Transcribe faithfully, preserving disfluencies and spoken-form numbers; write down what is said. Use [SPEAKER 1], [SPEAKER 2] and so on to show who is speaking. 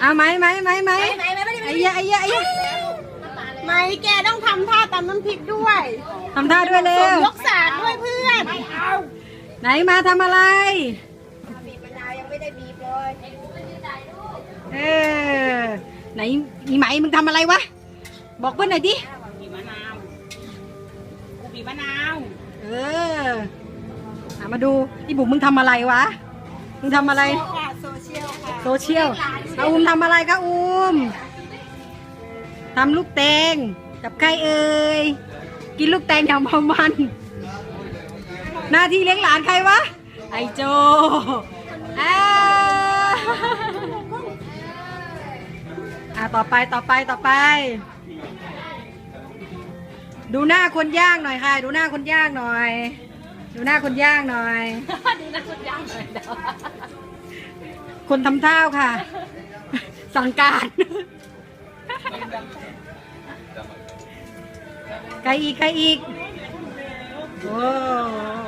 [SPEAKER 1] เอาไหมไหมไหมไหมไอ้ยะไอ้ยะไอ้ยะ
[SPEAKER 2] ไม่แกต้องทำท่าตำน้ำพริกด้วย
[SPEAKER 1] ทำท่าด้วยเร็วย
[SPEAKER 2] กสากด้วยเพื่อน
[SPEAKER 1] ไหนมาทำอะไรเออไหนอีไหมมึงทำอะไรวะบอกเพื่อนหน่อยดิ
[SPEAKER 2] บีบมะนาวกูบีบมะนาว
[SPEAKER 1] เอออ่ะมาดูอีบุ๋มมึงทำอะไรวะมึงทำอะไร
[SPEAKER 2] ค่ะโซเชียลค่ะ
[SPEAKER 1] โซเชียลเอาอุ้มทำอะไรคะอุ้มทำลูกแตงกับใครเอ่ยกินลูกแตงอย่างเมามันหน้าที่เลี้ยงหลานใครวะไอโจอ่าอ่ะต่อไปต่อไปต่อไป ดูหน้าคนย่างหน่อยค่ะ ดูหน้าคนย่างหน่อย ดูหน้าคนย่างหน่อยดูหน้าคนย่างหน่อยคนทำท่าค่ะ สั่งการใครอีกใครอีกโอ้